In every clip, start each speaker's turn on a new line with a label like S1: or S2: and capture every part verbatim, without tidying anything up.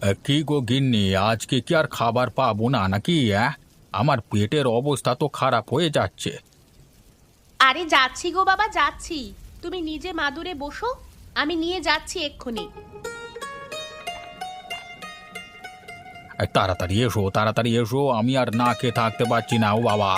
S1: আহ, কি গো গিন্নি, আজকে কি আর খাবার পাবো না নাকি? হ্যাঁ, আমার পেটের অবস্থা তো খারাপ হয়ে যাচ্ছে।
S2: আরে যাচ্ছি গো বাবা, যাচ্ছি। তুমি নিজে মাদুরে বসো, আমি নিয়ে যাচ্ছি এক্ষুনি।
S1: আহ, তাড়াতাড়ি এসো, তাড়াতাড়ি এসো, আমি আর না খেয়ে থাকতে পারছি না ও বাবা।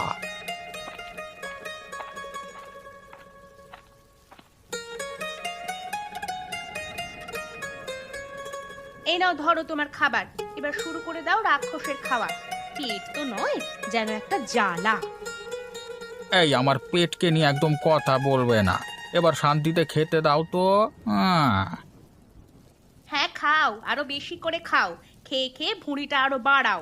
S2: এই নাও, ধরো তোমার খাবার। এবার শুরু করে দাও রাক্ষসের খাওয়া। পেট তো নয়, যেন একটা জ্বালা।
S1: এই, আমার পেটকে নিয়ে একদম কথা বলবে না। এবার শান্তিতে খেতে দাও তো। হ্যাঁ।
S2: হ্যাঁ, খাও, আরো বেশি করে খাও। খেয়ে খেয়ে ভুঁড়িটা আরো বাড়াও।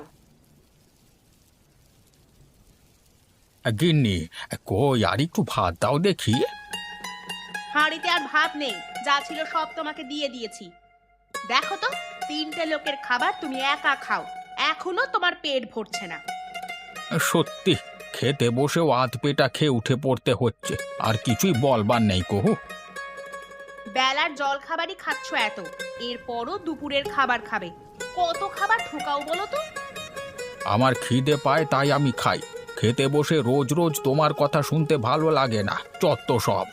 S1: আহ, গিন্নি, আহ, কই আর একটু ভাত দাও দেখি।
S2: হাঁড়িতে আর ভাত নেই, যা ছিল সব তোমাকে দিয়ে দিয়েছি। দেখো তো, তিনটে লোকের খাবার তুমি একা খাও, এখনো তোমার পেট ভরছে না।
S1: আহ, সত্যি, খেতে বসেও আধ পেটা খেয়ে উঠে পড়তে হচ্ছে। আর কিছুই বলবার নেই কহু।
S2: বেলার জল খাবারই খাচ্ছ এত, এরপরও দুপুরের খাবার খাবে। কত খাবার ঢোকাও বলো তো?
S1: আমার খিদে পায় তাই আমি খাই। খেতে বসে রোজ রোজ তোমার কথা শুনতে ভালো লাগে না, চত্ব সব।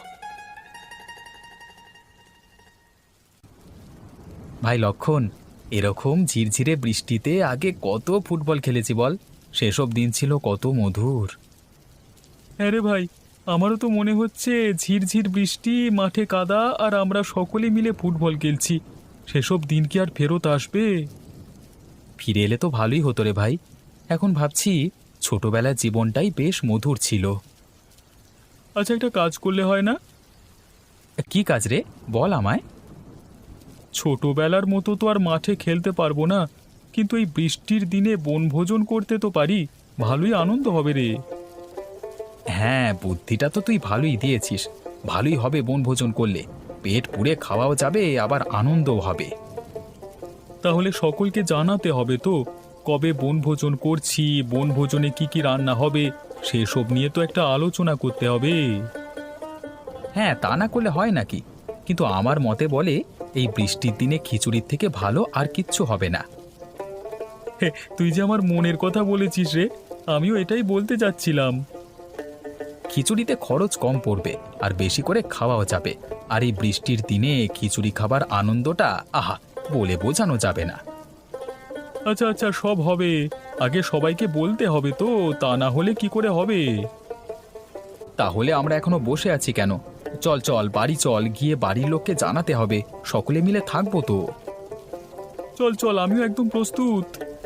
S3: ভাই লক্ষণ, এরকম ঝিরঝিরে বৃষ্টিতে আগে কত ফুটবল খেলেছি বল। সেসব দিন ছিল কত মধুর।
S4: হ্যাঁ রে ভাই, আমারও তো মনে হচ্ছে ঝিরঝির বৃষ্টি, মাঠে কাদা, আর আমরা সকলে মিলে ফুটবল খেলছি। সেসব দিন কি আর ফেরত আসবে?
S3: ফিরে এলে তো ভালোই হতো রে ভাই। এখন ভাবছি ছোটবেলার জীবনটাই বেশ মধুর ছিল।
S4: আচ্ছা, একটা কাজ করলে হয় না?
S3: কি কাজ রে, বল আমায়।
S4: ছোটবেলার মতো তো আর মাঠে খেলতে পারবো না, কিন্তু এই বৃষ্টির দিনে বনভোজন করতে তো পারি। ভালোই আনন্দ হবে রে।
S3: হ্যাঁ, বুদ্ধিটা তো তুই ভালোই দিয়েছিস। ভালোই হবে বনভোজন করলে। পেট পুড়ে খাওয়াও যাবে, আবার আনন্দও হবে।
S4: তাহলে সকলকে জানাতে হবে তো, কবে বনভোজন করছি, বনভোজনে কি কি রান্না হবে, সেসব নিয়ে তো একটা আলোচনা করতে হবে।
S3: হ্যাঁ, তা না করলে হয় নাকি? কিন্তু আমার মতে বলে এই বৃষ্টির দিনে খিচুড়ির থেকে ভালো আর কিচ্ছু হবে না।
S4: হে, তুই যে আমার মনের কথা বলেছিস রে, আমিও এটাই বলতে যাচ্ছিলাম।
S3: খিচুড়িতে খরচ কম পড়বে, আর বেশি করে খাওয়াও যাবে। আর এই বৃষ্টির দিনে খিচুড়ি খাবার আনন্দটা আহা, বলে বোঝানো যাবে না।
S4: আচ্ছা আচ্ছা, সব হবে। আগে সবাইকে বলতে হবে তো, তা না হলে কি করে হবে?
S3: তাহলে আমরা এখনো বসে আছি কেন? চল চল, বাড়ি চল, গিয়ে বাড়ির লোককে জানাতে হবে। সকলে মিলে থাকবো তো।
S4: চল চল, আমিও একদম প্রস্তুত।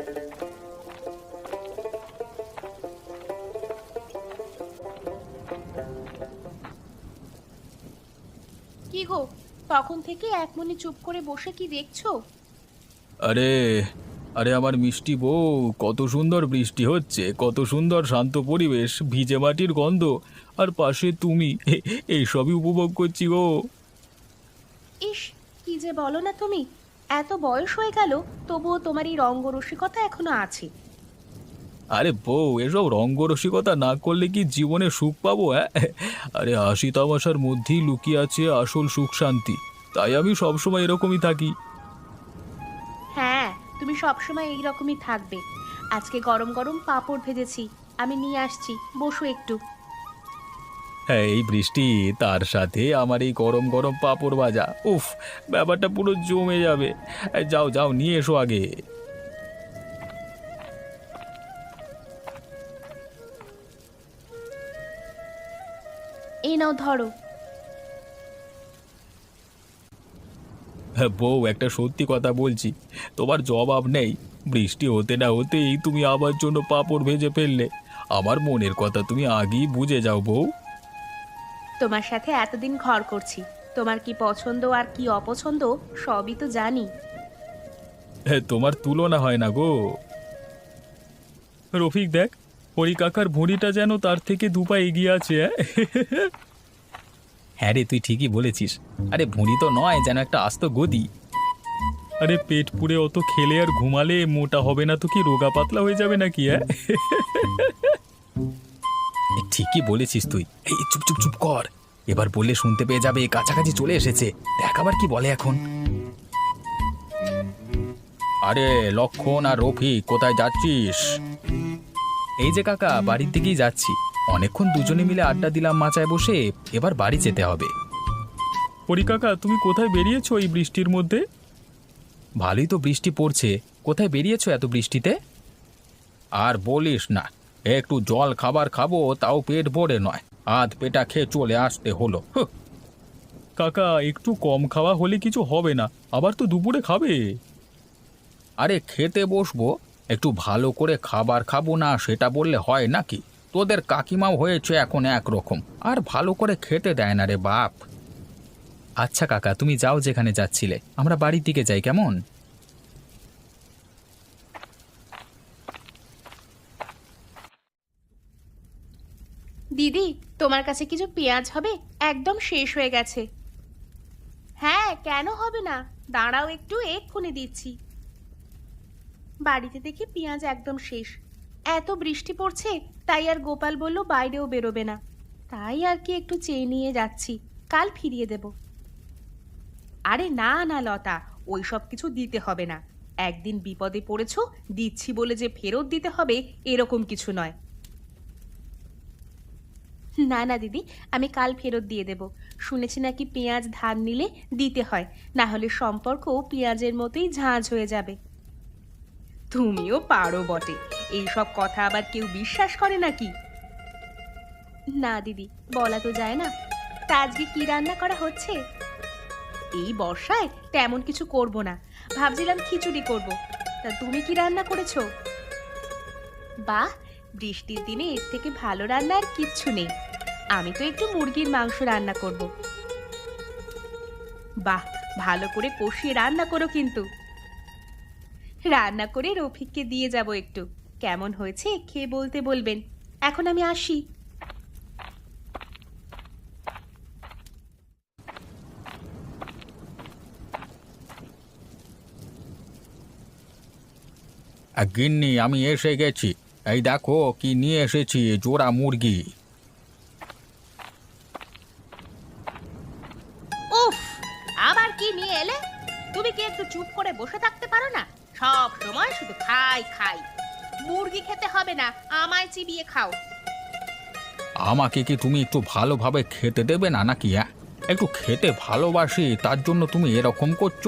S2: কি গো, তখন থেকে এক মনে চুপ করে বসে কি দেখছো?
S1: আরে, আরে আমার মিষ্টি বউ, কত সুন্দর বৃষ্টি হচ্ছে, কত সুন্দর শান্ত পরিবেশ, ভিজে মাটির গন্ধ, আর পাশে তুমি। এইসবই উপভোগ করছি গো।
S2: ইস, কি যে বলো না তুমি! এত বয়স হয়ে গেল, তবুও তোমার এই রঙ্গরসিকতা এখনো আছে।
S1: আরে বউ, এসব রঙ্গরসিকতা না করলে কি জীবনে সুখ পাবো? হ্যাঁ, আরে হাসি তামাশার মধ্যেই লুকিয়ে আছে আসল সুখ শান্তি। তাই আমি সবসময় এরকমই থাকি।
S2: হ্যাঁ, তুমি সবসময় এইরকমই থাকবে। আজকে গরম গরম পাঁপড় ভেজেছি, আমি নিয়ে আসছি, বসো একটু।
S1: হ্যাঁ, এই বৃষ্টি, তার সাথে আমার এই গরম গরম পাঁপড় ভাজা, উফ, ব্যাপারটা পুরো জমে যাবে। এই, যাও যাও, নিয়ে এসো আগে।
S2: এই নাও, ধরো।
S1: হ্যাঁ বউ, একটা সত্যি কথা বলছি, তোমার জবাব নেই। বৃষ্টি হতে না হতেই তুমি আমার জন্য পাঁপড় ভেজে ফেললে। আমার মনের কথা তুমি আগেই বুঝে যাও বউ।
S2: তোমার সাথে এতদিন ঘর করছি, তোমার কি পছন্দ আর কি অপছন্দ সবই তো জানি।
S1: হ্যাঁ, তোমার তুলনা হয় না গো।
S4: রফিক দেখ, হরি কাকার ভুঁড়িটা যেন তার থেকে দুপা এগিয়ে আছে। হ্যাঁ?
S3: হ্যাঁ রে, তুই ঠিকই বলেছিস। আরে ভুঁড়ি তো নয়, যেন একটা আস্ত গদি।
S4: আরে পেট পুড়ে অত খেলে আর ঘুমালে মোটা হবে না তো কি রোগা পাতলা হয়ে যাবে নাকি? হ্যাঁ,
S3: এ, ঠিকই বলেছিস তুই। এই চুপ চুপ চুপ কর, এবার বললে শুনতে পেয়ে যাবে। কাছাকাছি চলে এসেছে, দেখ আবার কি বলে এখন।
S1: আরে লক্ষণ আর রফিক কোথায় যাচ্ছিস?
S3: এই যে কাকা, বাড়ির দিকেই যাচ্ছি। অনেকক্ষণ দুজনে মিলে আড্ডা দিলাম মাচায় বসে, এবার বাড়ি যেতে হবে।
S4: হরি কাকা, তুমি কোথায় বেরিয়েছো এই বৃষ্টির মধ্যে?
S3: ভালোই তো বৃষ্টি পড়ছে। কোথায় বেরিয়েছো এত বৃষ্টিতে?
S1: আর বলিস না, একটু জল খাবার খাবো তাও পেট ভরে নয়, আধ পেটা খেয়ে চলে আসতে হলো। হুঁ।
S4: কাকা, একটু কম খাওয়া হলে কিছু হবে না, আবার তো দুপুরে খাবে।
S1: আরে খেতে বসবো, একটু ভালো করে খাবার খাবো না সেটা বললে হয় নাকি? তোদের কাকিমাও হয়েছে এখন একরকম, আর ভালো করে খেতে দেয় না রে বাপ।
S3: আচ্ছা কাকা, তুমি যাও যেখানে যাচ্ছিলে, আমরা বাড়ির দিকে যাই কেমন?
S2: দিদি, তোমার কাছে কিছু পেঁয়াজ হবে? একদম শেষ হয়ে গেছে। হ্যাঁ, কেন হবে না, দাঁড়াও একটু, এক্ষুনি দিচ্ছি। বাড়িতে দেখি পেঁয়াজ একদম শেষ। এত বৃষ্টি পড়ছে, তাই আর গোপাল বলল বাইরেও বেরোবে না। তাই আর কি একটু চেয়ে নিয়ে যাচ্ছি, কাল ফিরিয়ে দেব। আরে না না লতা, ওই সব কিছু দিতে হবে না। একদিন বিপদে পড়েছো, দিচ্ছি বলে যে ফেরত দিতে হবে এরকম কিছু নয়। না না দিদি, আমি কাল ফেরত দিয়ে দেব। শুনেছি নাকি পেঁয়াজ ধার নিলে দিতে হয়, না হলে সম্পর্ক পেঁয়াজের মতোই ঝাঁঝ হয়ে যাবে। তুমিও পারো বটে, এইসব কথা আবার কেউ বিশ্বাস করে নাকি? না দিদি, বলা তো যায় না। তা আজকে কি রান্না করা হচ্ছে? এই বর্ষায় তেমন কিছু করব না, ভাবছিলাম খিচুড়ি করব। তা তুমি কি রান্না করেছো? বাহ, বৃষ্টির দিনে এর থেকে ভালো রান্না আর কিচ্ছু নেই। আমি তো একটু মুরগির মাংস রান্না করব। বাহ, ভালো করে কষিয়ে রান্না করো কিন্তু। রান্না করে রফিককে দিয়ে যাব একটু, কেমন হয়েছে খেয়ে বলতে বলবেন। এখন আমি আসি।
S1: আর গিন্নি, আমি এসে গেছি। এই দেখো কি নিয়ে এসেছি, জোড়া মুরগি।
S2: উফ, আবার কি নিয়ে এলে? তুমি কি একটু চুপ করে বসে থাকতে পারো না? সব সময় শুধু খাই খাই। মুরগি খেতে হবে না, আমায় চিবিয়ে খাও।
S1: আমাকে কি তুমি একটু ভালোভাবে খেতে দেবে না নাকি? হ্যাঁ, একটু খেতে ভালোবাসি, তার জন্য তুমি এরকম করছো?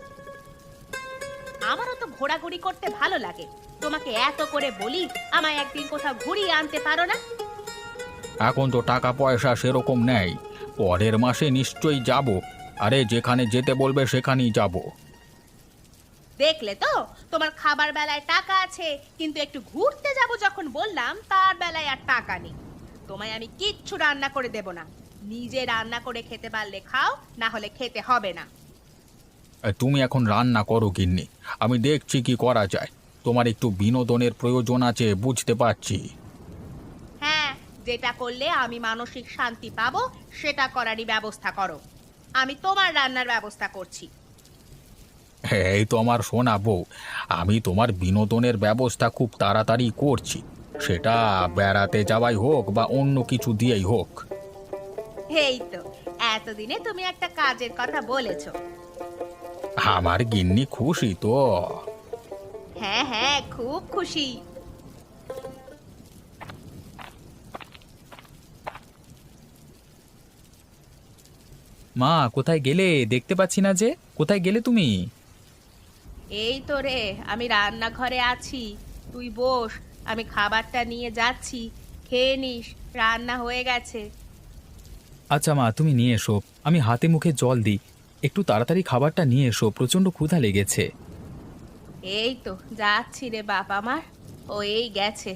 S2: আমারও তো ঘোরাঘুরি করতে ভালো লাগে। তোমাকে এত করে বলি, আমায় একদিন কোথাও ঘুরিয়ে আনতে পারো না?
S1: এখন তো টাকা পয়সা সেরকম নেই, পরের মাসে নিশ্চয়ই যাব। আরে যেখানে যেতে বলবে সেখানেই যাব।
S2: দেখলে তো, তোমার খাবার বেলায় টাকা আছে, কিন্তু একটু ঘুরতে যাব যখন বললাম, তার বেলায় আর টাকা নেই। তোমায় আমি কিচ্ছু রান্না করে দেব না। নিজে রান্না করে খেতে পারলে খাও, না হলে খেতে হবে না।
S1: এ, তুমি এখন রান্না করো গিন্নি, আমি দেখছি কি করা যায়। তোমার একটু বিনোদনের প্রয়োজন আছে, বুঝতে পারছি।
S2: হ্যাঁ, যেটা করলে আমি মানসিক শান্তি পাবো সেটা করারই ব্যবস্থা করো। আমি তোমার রান্নার ব্যবস্থা করছি।
S1: এই তো আমার সোনা বউ, আমি তোমার বিনোদনের ব্যবস্থা খুব তাড়াতাড়ি করছি, সেটা বেড়াতে যাওয়াই হোক বা অন্য কিছু দিয়েই হোক।
S2: এই তো, এতদিনে তুমি একটা কাজের কথা বলেছো।
S1: আমার গিন্নি খুশি তো?
S2: হ্যাঁ হ্যাঁ, খুব খুশি।
S3: মা, কোথায় গেলে? দেখতে পাচ্ছি না যে। কোথায় গেলে তুমি?
S2: এই তো রে, আমি রান্নাঘরে আছি। তুই বস, আমি খাবারটা নিয়ে যাচ্ছি, খেয়ে নিস। রান্না হয়ে গেছে।
S3: আচ্ছা মা, তুমি নিয়ে এসো, আমি হাতে মুখে জল দিই। একটু তাড়াতাড়ি খাবারটা নিয়ে এসো, প্রচণ্ড ক্ষুধা লেগেছে।
S2: এই তো যাচ্ছি রে বাপ আমার, ও এই গেছে।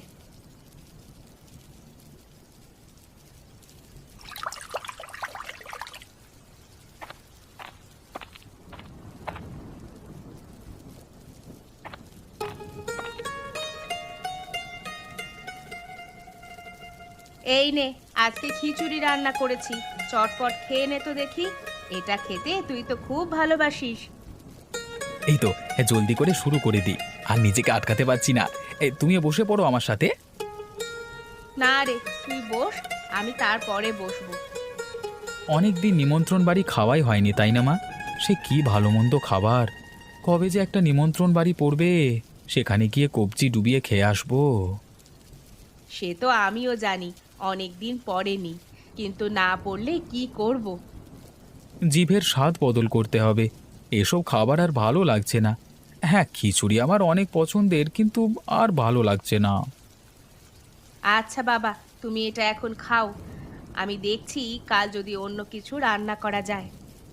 S2: এই নে, আজকে খিচুড়ি রান্না করেছি, চটপট খেয়ে নে তো দেখি। এটা খেতে তুই তো খুব ভালোবাসিস।
S3: এই তো, হ্যাঁ, জলদি করে শুরু করে দিই, আর নিজেকে আটকাতে পারছি না। এ, তুমিও বসে পড়ো আমার সাথে।
S2: না রে, তুই বস, আমি তারপরে বসবো।
S3: অনেক দিন নিমন্ত্রণ বাড়ি খাওয়াই হয়নি, তাই না মা? সে কি ভালো মন্দ খাবার! কবে যে একটা নিমন্ত্রণ বাড়ি পড়বে, সেখানে গিয়ে কবজি ডুবিয়ে খেয়ে আসবো।
S2: সে তো আমিও জানি অনেক দিন পড়েনি, কিন্তু না পড়লে কি করব।
S3: জিভের স্বাদ বদল করতে হবে। এসব খাবার আর ভালো লাগছে না। হ্যাঁ, খিচুড়ি আমার অনেক পছন্দের, কিন্তু আর ভালো লাগছে না।
S2: আচ্ছা বাবা, তুমি এটা এখন খাও। আমি দেখছি কাল যদি অন্য কিছু রান্না করা যায়।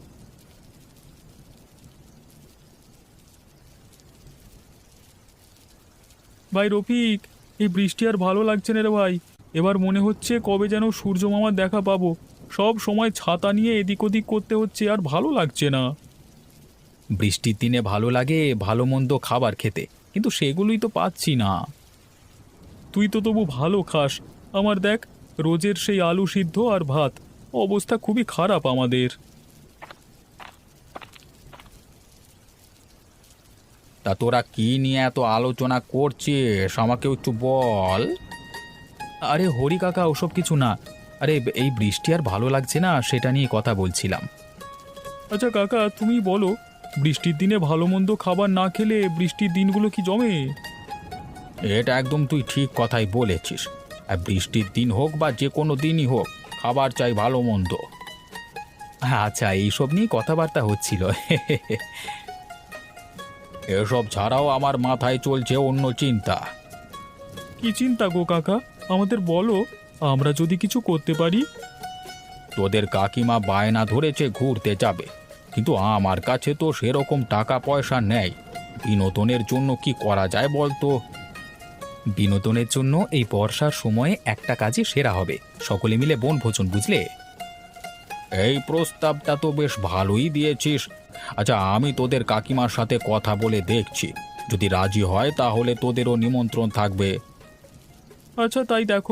S4: ভাই রফিক, এই বৃষ্টি আর ভালো লাগছে না রে ভাই। এবার মনে হচ্ছে কবে যেন সূর্য মামার দেখা পাবো। সব সময় ছাতা নিয়ে এদিক ওদিক করতে হচ্ছে, আর ভালো লাগছে না।
S3: বৃষ্টির দিনে ভালো লাগে ভালো মন্দ খাবার খেতে, কিন্তু সেগুলোই তো পাচ্ছি না।
S4: তুই তো তবু ভালো খাস, আমার দেখ, রোজের সেই আলু সিদ্ধ আর ভাত। অবস্থা খুবই খারাপ আমাদের।
S3: তা তোরা কি নিয়ে এত আলোচনা করছিস, আমাকে একটু বল। আরে হরি কাকা, ওসব কিছু না। আরে এই বৃষ্টি আর ভালো লাগছে না, সেটা নিয়ে কথা বলছিলাম।
S4: আচ্ছা কাকা, তুমি বলো, বৃষ্টির দিনে ভালো মন্দ খাবার না খেলে বৃষ্টির দিনগুলো কি জমে?
S3: এটা একদম তুই ঠিক কথাই বলেছিস। আর বৃষ্টির দিন হোক বা যে কোনো দিনই হোক, খাবার চাই ভালো মন্দ। আচ্ছা, এইসব নিয়ে কথাবার্তা হচ্ছিল। এসব ছাড়াও আমার মাথায় চলছে অন্য চিন্তা।
S4: কি চিন্তা গো কাকা, আমাদের বলো, আমরা যদি কিছু করতে পারি।
S3: তোদের কাকিমা বায়না ধরেছে ঘুরতে যাবে, কিন্তু আমার কাছে তো সেরকম টাকা পয়সা নেই। বিনোদনের জন্য কি করা যায় বলতো? বিনোদনের জন্য এই বর্ষার সময়ে একটা কাজই সেরা হবে, সকলে মিলে বনভোজন, বুঝলে? এই প্রস্তাবটা তো বেশ ভালোই দিয়েছিস। আচ্ছা, আমি তোদের কাকিমার সাথে কথা বলে দেখছি, যদি রাজি হয় তাহলে তোদেরও নিমন্ত্রণ থাকবে।
S4: আচ্ছা তাই দেখো।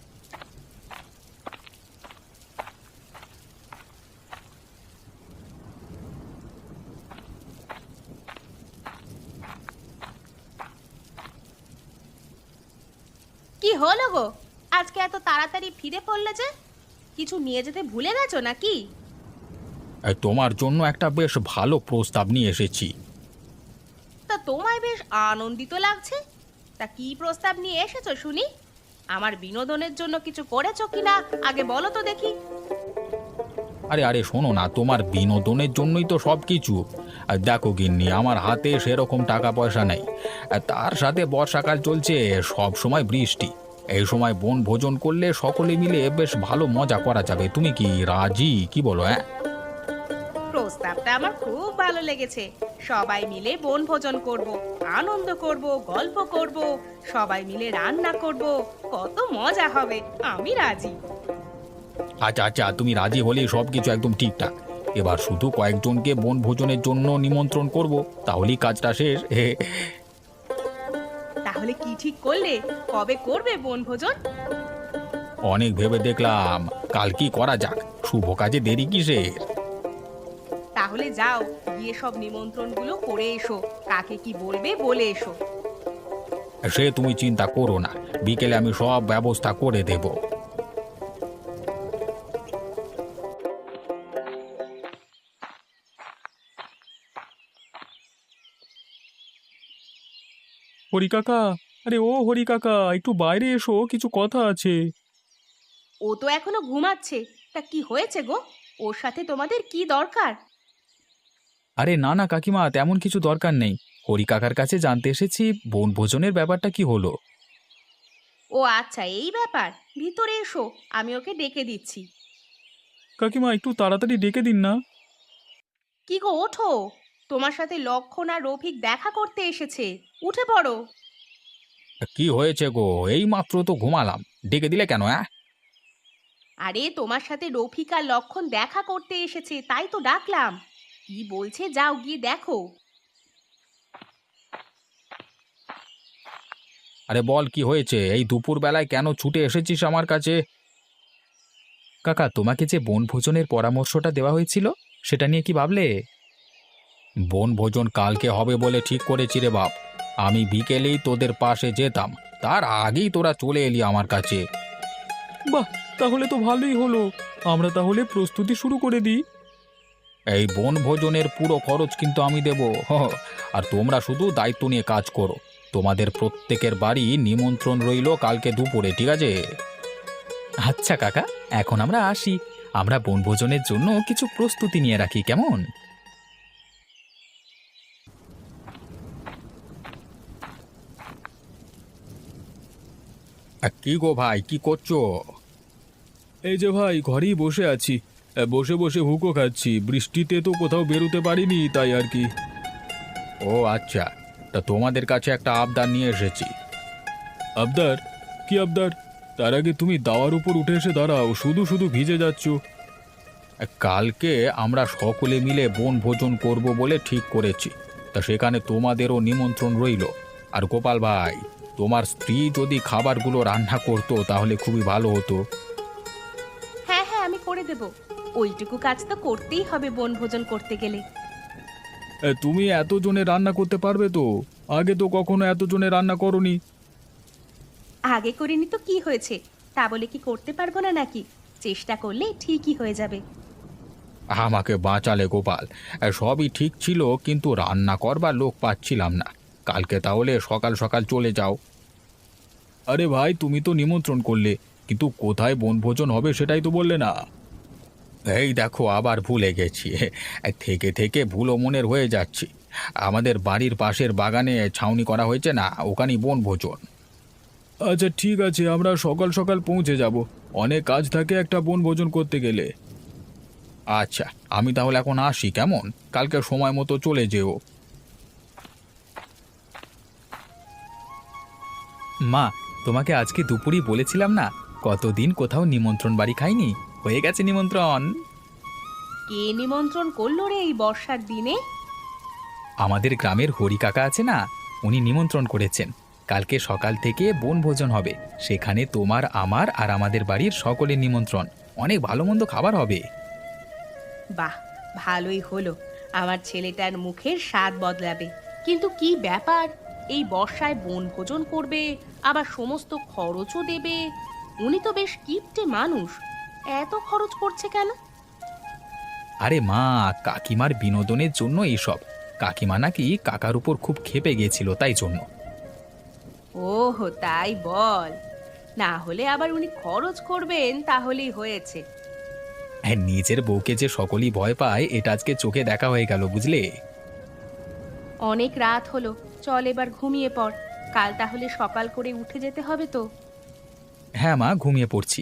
S2: কি হলো গো, আজকে এত তাড়াতাড়ি ফিরে পড়লে যে? কিছু নিয়ে যেতে ভুলে গেছো নাকি?
S3: এই, তোমার জন্য একটা বেশ ভালো প্রস্তাব নিয়ে এসেছি।
S2: তা তোমায় বেশ আনন্দিত লাগছে। তা কি প্রস্তাব নিয়ে এসেছো শুনি? আমার বিনোদনের জন্য কিছু করেছো কিনা আগে বলো তো দেখি।
S3: আরে আরে শোনো না, তোমার বিনোদনের জন্যই তো সব কিছু। আর দেখো গিন্নি, আমার হাতে সেরকম টাকা পয়সা নেই, আর তার সাথে বর্ষাকাল চলছে, সব সময় বৃষ্টি। এই সময় বনভোজন করলে সকলে মিলে বেশ ভালো মজা করা যাবে। তুমি কি রাজি, কি বলো? হ্যাঁ,
S2: প্রস্তাবটা আমার খুব ভালো লেগেছে। সবাই মিলে বনভোজন করব, আনন্দ করব, গল্প করব, সবাই মিলে রান্না করব, কত মজা হবে। আমি রাজি।
S3: আচ্ছা আচ্ছা, তুমি রাজি হলে সব কিছু একদম ঠিকঠাক। এবার শুধু কয়েকজনকে বনভোজনের জন্য নিমন্ত্রণ করব, তাহলেই কাজটা শেষ। হে,
S2: তাহলে কি ঠিক করলে, কবে করবে বনভোজন?
S3: অনেক ভেবে দেখলাম, কাল কি করা যাক, শুভ কাজে দেরি কিসের?
S2: তাহলে যাও, গিয়ে সব নিমন্ত্রণগুলো করে এসো। কাকে কি বলবে বলে এসো।
S3: সে তুমি চিন্তা করো না, বিকেলে আমি সব ব্যবস্থা করে দেব।
S4: হরি কাকা, আরে ও হরি কাকা, একটু বাইরে এসো, কিছু কথা আছে।
S2: ও তো এখনো ঘুমাচ্ছে। তা কি হয়েছে গো? ওর সাথে তোমাদের কি দরকার?
S3: আরে না না কাকিমা, তেমন কিছু দরকার নেই। হরি কাকার কাছে জানতে এসেছি বনভোজনের ব্যাপারটা কি হলো।
S2: ও আচ্ছা, এই ব্যাপার। ভিতরে এসো, আমি ওকে ডেকে দিচ্ছি।
S4: কাকিমা, একটু তাড়াতাড়ি ডেকে দিন না।
S2: কি গো, ওঠো। তোমার সাথে লক্ষণ আর রফিক দেখা করতে এসেছে। উঠে পড়ো।
S3: কি হয়েছে গো? এই মাত্র তো ঘুমালাম, ডেকে দিলে কেন? হ্যাঁ,
S2: আরে তোমার সাথে রফিক আর লক্ষণ দেখা করতে এসেছে, তাই তো ডাকলাম। কি বলছে যাও গিয়ে দেখো।
S3: আরে বল, কি হয়েছে? এই দুপুর বেলায় কেন ছুটে এসেছিস আমার কাছে? কাকা, তোমাকে যে বনভোজনের পরামর্শটা দেওয়া হয়েছিল, সেটা নিয়ে কি ভাবলে? বনভোজন কালকে হবে বলে ঠিক করেছি রে বাপ। আমি বিকেলেই তোদের পাশে যেতাম, তার আগেই তোরা চলে এলি আমার কাছে।
S4: বাহ, তাহলে তো ভালোই হলো। আমরা তাহলে প্রস্তুতি শুরু করে দিই।
S3: এই বনভোজনের পুরো খরচ কিন্তু আমি দেব। হ, আর তোমরা শুধু দায়িত্ব নিয়ে কাজ করো। তোমাদের প্রত্যেকের বাড়ি নিমন্ত্রণ রইল কালকে দুপুরে, ঠিক আছে?
S1: আচ্ছা কাকা, এখন আমরা আসি। আমরা বনভোজনের জন্য কিছু প্রস্তুতি নিয়ে রাখি, কেমন?
S3: আ, কি গো ভাই, কি করছো?
S4: এই যে ভাই, ঘরেই বসে আছি। এ, বসে বসে হুকো খাচ্ছি। বৃষ্টিতে তো কোথাও বেরোতে পারিনি, তাই আর কি।
S3: ও আচ্ছা, তা তোমাদের কাছে একটা আবদার নিয়ে এসেছি।
S4: আবদার? কি আবদার? তার আগে তুমি দাওয়ার উপর উঠে এসে দাঁড়াও, শুধু শুধু ভিজে যাচ্ছ।
S3: কালকে আমরা সকলে মিলে বনভোজন করব বলে ঠিক করেছি। তা সেখানে তোমাদেরও নিমন্ত্রণ রইল। আর গোপাল ভাই, তোমার স্ত্রী যদি খাবারগুলো রান্না করতো তাহলে খুবই ভালো হতো।
S2: হ্যাঁ হ্যাঁ, আমি করে দেব। ওইটুকু কাজ তো করতেই হবে বনভোজন করতে গেলে।
S4: এ, তুমি এতজনে রান্না করতে পারবে তো? আগে তো কখনো এতজনে রান্না করনি।
S2: আগে করিনি তো কি হয়েছে? তা বলে কি করতে পারবো না নাকি? চেষ্টা করলে ঠিকই হয়ে যাবে।
S3: আমাকে বাঁচালে গোপাল। সবই ঠিক ছিল, কিন্তু রান্না করবার লোক পাচ্ছিলাম না। কালকে তাহলে সকাল সকাল চলে যাও।
S4: আরে ভাই, তুমি তো নিমন্ত্রণ করলে, কিন্তু কোথায় বনভোজন হবে সেটাই তো বললে না।
S3: এই দেখো, আবার ভুলে গেছি। থেকে থেকে ভুলো মনের হয়ে যাচ্ছি। আমাদের বাড়ির পাশের বাগানে ছাউনি করা হয়েছে না, ওখানেই বনভোজন।
S4: আচ্ছা ঠিক আছে, আমরা সকাল সকাল পৌঁছে যাব। অনেক কাজ থাকে একটা বনভোজন করতে গেলে।
S3: আচ্ছা, আমি তাহলে এখন আসি, কেমন? কালকে সময় মতো চলে যেও।
S1: মা, তোমাকে আজকে দুপুরই বলেছিলাম না, কতদিন কোথাও নিমন্ত্রণ বাড়ি খাইনি। হয়ে গেছে নিমন্ত্রণ।
S2: কে নিমন্ত্রণ করলো রে এই বর্ষার দিনে?
S1: আমাদের গ্রামের হরি কাকা আছে না, উনি নিমন্ত্রণ করেছেন। কালকে সকাল থেকে বনভোজন হবে। সেখানে তোমার, আমার আর আমাদের বাড়ির সকলের নিমন্ত্রণ। অনেক ভালো মন্দ খাবার হবে।
S2: বাহ, ভালোই হলো। আমার ছেলেটার মুখের স্বাদ বদলাবে। কিন্তু কি ব্যাপার, এই বর্ষায় বনভোজন করবে, আবার সমস্ত খরচও দেবে? উনি তো বেশ কিপটে মানুষ, এত খরচ করছে কেন?
S1: আরে মা, কাকিমার বিনোদনের জন্য এসব। কাকিমা নাকি কাকার উপর খুব ক্ষেপে গিয়েছিল, তাই জন্য।
S2: ওহো, তাই বল। না হলে আবার উনি খরচ করবেন তাহলেই হয়েছে।
S1: হ্যাঁ, নিজের বউকে যে সকলেই ভয় পায়, এটা আজকে চোখে দেখা হয়ে গেল, বুঝলে?
S2: অনেক রাত হলো, চল এবার ঘুমিয়ে পড়। কাল তাহলে সকাল করে উঠে যেতে হবে তো।
S1: হ্যাঁ মা, ঘুমিয়ে পড়ছি।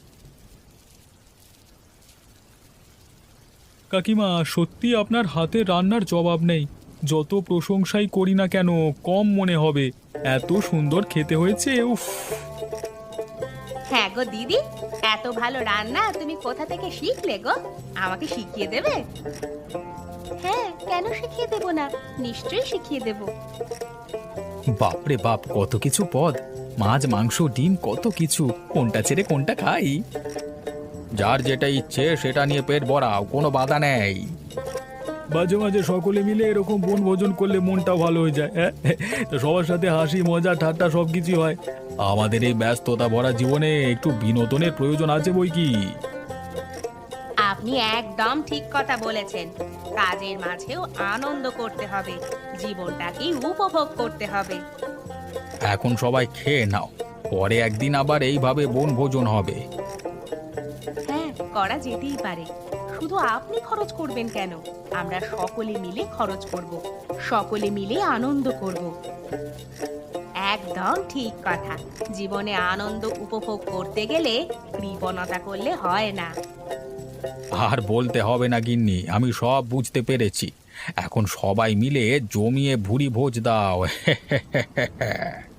S4: কাকিমা, সত্যি আপনার হাতের রান্নার জবাব নেই। যত প্রশংসাই করি না কেন, কম মনে হবে। এত সুন্দর খেতে হয়েছে, উফ।
S2: হ্যাঁ গো দিদি, এত ভালো রান্না তুমি কোথা থেকে শিখলে গো? আমাকে শিখিয়ে দেবে? হ্যাঁ, কেন শিখিয়ে দেব না, নিশ্চয়ই শিখিয়ে দেব।
S1: বাপরে বাপ, কত কিছু পদ! মাছ, মাংস, ডিম, কত কিছু। কোনটা ছেড়ে কোনটা খাই?
S3: যার যেটা ইচ্ছে সেটা নিয়ে পেট ভরাও, কোনো বাধা নেই।
S4: মাঝে মাঝে সকলে মিলে এরকম বনভোজন করলে মনটা ভালো হয়ে যায়। হ্যাঁ, তো সবার সাথে হাসি মজা ঠাট্টা সব কিছুই হয়। আমাদের এই ব্যস্ততা ভরা জীবনে একটু বিনোদনের প্রয়োজন আছে বই কি।
S2: আপনি একদম ঠিক কথা বলেছেন। কাজের মাঝেও আনন্দ করতে হবে, জীবনটাকেই উপভোগ করতে হবে।
S3: এখন সবাই খেয়ে নাও, পরে একদিন আবার এইভাবে বনভোজন হবে।
S2: হ্যাঁ, করা যেতেই পারে। শুধু আপনি খরচ করবেন কেন? আমরা সকলে মিলে খরচ করব, সকলে মিলে আনন্দ করব। একদম ঠিক কথা। জীবনে আনন্দ উপভোগ করতে গেলে কৃপণতা করলে হয় না।
S3: আর বলতে হবে না গিন্নি, আমি সব বুঝতে পেরেছি। এখন সবাই মিলে জমিয়ে ভুরি ভোজ দাও।